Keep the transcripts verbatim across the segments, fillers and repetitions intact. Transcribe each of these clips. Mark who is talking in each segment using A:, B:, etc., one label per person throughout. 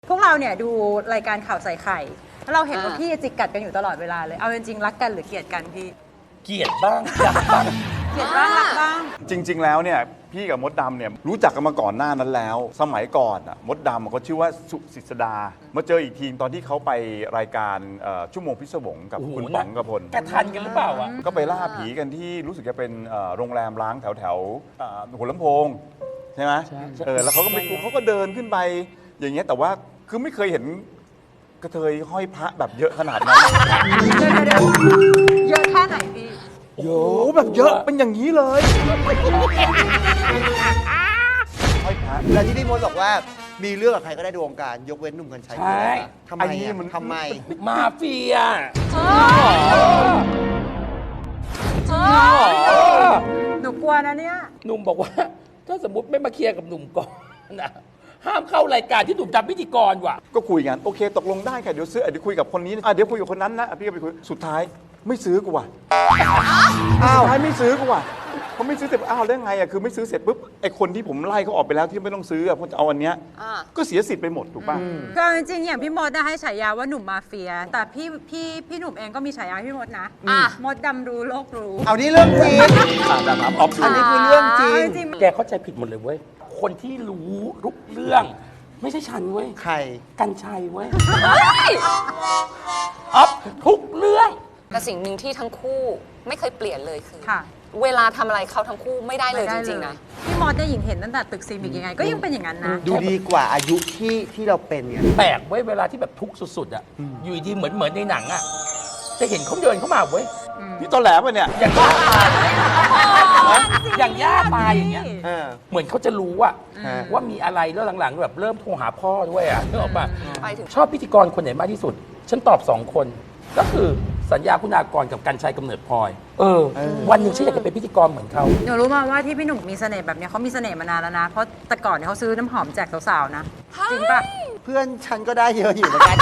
A: พวกเราเนี่ยดูรายการข่าวใส่ไข่แล้วเราเห็นว่าพี่จิกกัดกันอยู่ตลอดเวลาเลยเอาจริงๆรักกันหรือเกลียดกันพี่
B: เกลียดบ้างรักบ้าง
A: เกลียดบ้างรักบ้าง
C: จริง ๆ แล้วเนี่ยพี่กับมดดำเนี่ยรู้จักกันมาก่อนหน้านั้นแล้ว สมัยก่อนอ่ะมดดำเขาชื่อว่าสุสิสดามาเจออีกทีตอนที่เขาไปรายการเอ่อชั่วโมงพิศวงกับคุณป๋องกพล
B: แกทันกันหรือเปล่าอ่ะ
C: ก็ไปล่าผีกันที่รู้สึกจะเป็นเอ่อโรงแรมร้างแถวแถวๆเอ่อหัวลำโพงใช่ไหมเออแล้วเขาก็ไม่เขาก็เดินขึ้นไปอย่างเงี้ยแต่ว่าคือไม่เคยเห็นกระเทยห้อยพระแบบเยอะขนาดนั้น
A: เดี๋ยวๆเยอะแค่ไหนพี่
C: โอ้โหแบบเยอะเป็นอย่างนี้เลยห้อยพระ
D: แล้วที่พี่มดบอกว่ามีเรื่องกับใครก็ได้ในวงการยกเว้นหนุ่มกัญชัย
B: ใช่
D: ทำไมอะทำไม
B: มาเฟีย
A: หนูกลัวนะเนี่ย
B: หนุ่มบอกว่า ถ้าสมมติไม่มาเคลียร์กับหนุ่มก่อนนะห้ามเข้ารายการที่หนุ่มทำพิธีกรว่ะ
C: ก็คุยกันโอเคตกลงได้ค่ะเดี๋ยวซื้ออ่ะเดี๋ยวคุยกับคนนี้อ่ะเดี๋ยวคุยกับคนนั้นนะอ่ะพี่ก็ไปคุยสุดท้ายไม่ซื้อกูว่ะอ้าวสุดท้ายไม่ซื้อกูว่ะเขาไม่ซื้อเสร็จอ้าวแล้วไงอ่ะคือไม่ซื้อเสร็จปุ๊บไอ้คนที่ผมไล่เขาออกไปแล้วที่ไม่ต้องซื้ออ่ะเพราะจะเอาอันเนี้ยก็เสียสิทธิ์ไปหมดถูกป่ะ
A: ก็จริงๆอย่างพี่มดนะให้ฉายาว่าหนุ่มมาเฟีย แต่พี่พี่พี่หนุ่มเองก็มีฉายาให้พี่มดนะมดดำรู้โลกรู้
D: เอานี่เรื่องจริง
C: อ่าแต่ถามออฟ
D: อันนี้คือเรื่องจริง
A: จริง
B: แกเข้าใจผิดหมดเลยเว้ย คนที่รู้ทุกเรื่อง ไม่ใช่ฉันเว้ย
D: ใคร
B: กัญชัยเว้ยอ๊อฟทุกเรื่อง
E: แต่สิ่งหนึ่งที่ทั้งคู่ไม่เคยเปลี่ยนเลยคือ
A: ค่ะ
E: เวลาทำอะไรเขาทั้งคู่ไม่ได้เลยจริงๆนะ
A: พี่มดเนี่ยหญิงเห็นตั้งแต่ตึกซีมิกยังไง ก็ยังเป็นอย่างนั้นนะ
D: ดูดีกว่าอายุที่ที่เราเป็นไง
B: แปลกเว้ยเวลาที่แบบทุกข์สุดๆอ่ะ อยู่ดีเหมือนเหมือนในหนังอ่ะ จะเห็นเขาเดินเข้ามาเว้ย
C: พี่ตอนแหลป่ะเนี่ย
B: อย่างย่าตายอย่างย่าตายอย่างเงี้ย
D: เออ
B: เหมือนเขาจะรู้ว่า
D: ฮะ
B: ว่ามีอะไรแล้วหลังๆแบบเริ่มโทรหาพ่อด้วยอ่ะนึกออกปะ
E: ไปถึง
B: ชอบพิธีกรคนไหนมากที่สุด ฉันตอบสองคน ก็คือสัญญาคุณากรกับกัญชัยกำเนิดพลอย เออ วันหนึ่งฉันอยากจะเป็นพิธีกรเหมือนเขา
A: หนูรู้มาว่าที่พี่หนุ่มมีเสน่ห์แบบเนี้ยเขามีเสน่ห์มานานแล้วนะ เพราะแต่ก่อนเนี่ยเขาซื้อน้ำหอมแจกสาวๆนะ จริงปะ
D: เพื่อนฉันก็ได้เยอะอยู่เหมือนกัน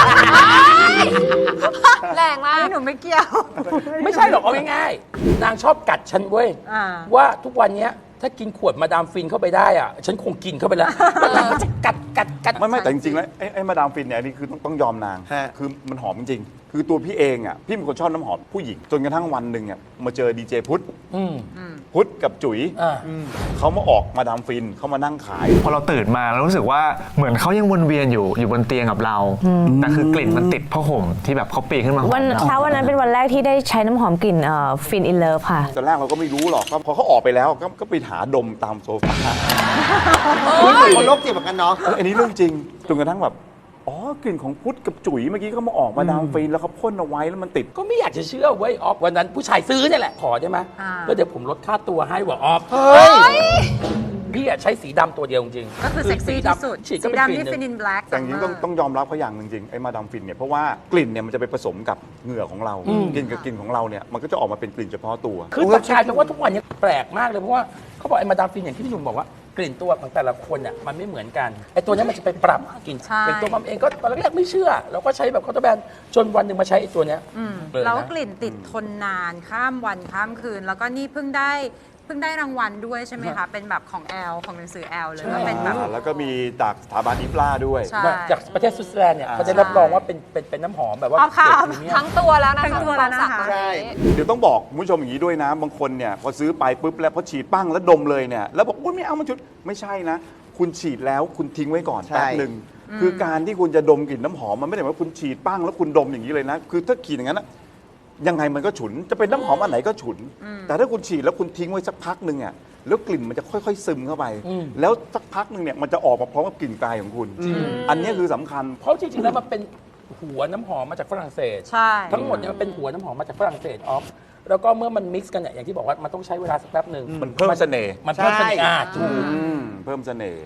E: แรงมาก
A: พี่หนุ่มไม่เกี่ยว
B: ไม่ใช่หรอกเอาง่ายๆนางชอบกัดฉันเว้ย
A: อ่า
B: ว่าทุกวันเนี้ยถ้ากินขวดมาดามฟินเข้าไปได้อ่ะ ฉันคงกินเข้าไปแล้วแล้วนางก็จะกัดกัดกัด
C: ไม่ไม่แต่จริงๆแล้วไอ้ไอ้มาดามฟินเนี่ยอันนี้คือต้องต้องยอมนาง
D: ฮะ
C: คือมันหอมจริงๆคือตัวพี่เองอ่ะพี่เป็นคนชอบน้ำหอมผู้หญิงจนกระทั่งวันหนึ่งอ่ะมาเจอดีเจพุทธ
B: อืม
C: พุทธกับจุ๋ย
B: อ่า
C: เขามาออกมาดามฟินเขามานั่งขาย
F: พอเราตื่นมาเรารู้สึกว่าเหมือนเขายังวนเวียนอยู่อยู่บนเตียงกับเรา แต่คือกลิ่นมันติดผ้าห่มที่แบบเขาปีนขึ้นมาหอม
G: วัน
F: เรา
G: เช้าวันนั้นเป็นวันแรกที่ได้ใช้น้ำหอมกลิ่นฟินอินเลิฟค่ะ
C: ตอนแรกเราก็ไม่รู้หรอกก็พอเขาออกไปแล้วก็ก็ไปหาดมตามโซฟา
D: คนโรคจิตเหมือนกันเนาะ
C: เอออันนี้เรื่องจริงจนกระทั่งแบบอ๋อกลิ่นของพุทธกับจุ๋ยเมื่อกี้เขามาออกมาดามฟินแล้วเขาพ่นเอาไว้แล้วมันติด
B: ก็ไม่อยากจะเชื่อเว้ยออฟวันนั้นผู้ชายซื้อเนี่ยแหละขอได้ไหม
A: อ่า
B: แล้วเดี๋ยวผมลดค่าตัวให้ว่ะออฟ
D: เฮ้ย
B: พี่อะใช้สีดำตัวเดียวจริงๆ
A: ก็คือเซ็กซี่ที่สุด
B: ฉีด
A: สี
B: ก็เป็นก
A: ดำ
B: ลิ่
A: นี่
B: นห
A: ฟินิ
B: นึ่ง
A: นแบล็ก
C: แต่จริงๆต้องต้องยอมรับเขาอย่างหนึ่งจริงไอ้มาดามฟินเนี่ยเพราะว่ากลิ่นเนี่ยมันจะไปผสมกับเหงื่อของเรากลิ่นกับกลิ่นของเราเนี่ยมันก็จะออกมาเป็นกลิ่นเฉพาะตัว
B: คือแต่กลายเป็นว่าทุกวันนี้แปลกมากเลยเพราะว่าเขาบอกไอ้มาดามฟินอย่างที่พี่หนุ่มบอกว่ากลิ่นตัวของแต่ละคนอ่ะมันไม่เหมือนกันไอ้ตัวนี้มันจะไปปรับกลิ่น
A: ใช่
B: อย่างตัวมัมเองก็ตอนแรกๆไม่เชื่อเราก็ใช้แบบคอร์ตแบนจนวันหนึ่งมาใช้ไอ้ตัวเนี้ย
A: อืม
B: เลยนะ
A: แล้วกลิ่นติดทนนานข้ามวันข้ามคืน แล้วก็นี่เพิ่งได้เพิ่งได้รางวัลด้วยใช่ไหมคะ เป็นแบบของแอลของหนังสือแอลเลยก็เป็นแบบ
C: อ่าแล้วก็มีจากสถาบันอิฟลาด้วย
A: ใช่
B: จากประเทศสวิตเซอร์แลนด์เนี่ยเขาจะรับรองว่าเป็นเป็นเป็นน้ำหอมแบบว่า
A: เอาค่ะ
B: เกรดพรีเมียม
E: ทั้งตัวแล้วนะคะ
A: ทั้งตัวแล้วนะคะ
E: ความสักตอนนี้
C: เดี๋ยวต้องบอกคุณผู้ชมอย่างนี้ด้วยนะ บางคนเนี่ยพอซื้อไปปุ๊บแล้วพอฉีดปั้งแล้วดมเลยเนี่ยแล้วบอกโอ้ยไม่เอามันชุดไม่ใช่นะ คุณฉีดแล้วคุณทิ้งไว้ก่อน
D: ใช่
C: แป๊บหนึ่งคือการที่คุณจะดมกลิ่นน้ำหอมมันไม่ได้หมายว่าคุณฉีดปั้งแล้วคุณดมอย่างนี้เลยนะ คือถ้าฉีดอย่างนั้นนะยังไงมันก็ฉุนจะเป็นน้ำหอมอันไหนก็ฉุน แต่ถ้าคุณฉีดแล้วคุณทิ้งไว้สักพักหนึ่งอ่ะแล้วกลิ่นมันจะค่อยๆซึมเข้าไป แล้วสักพักหนึ่งเนี่ยมันจะออกมาพร้อมกับกลิ่นกายของคุณ อันนี้คือสำคัญ
B: เพราะจริงๆแล้วมันเป็นหัวน้ำหอมมาจากฝรั่งเศส
A: ใช่
B: ทั้งหมดเนี่ยมันเป็นหัวน้ำหอมมาจากฝรั่งเศสออฟแล้วก็เมื่อมันมิกซ์กันเนี่ยอย่างที่บอกว่ามันต้องใช้เวลาสักแป๊บหนึ่ง
C: มันเพิ่มเสน่ห์
B: มันเพิ่มเสน่ห์อ่ะถูก
C: อืมเพิ่มเสน่ห์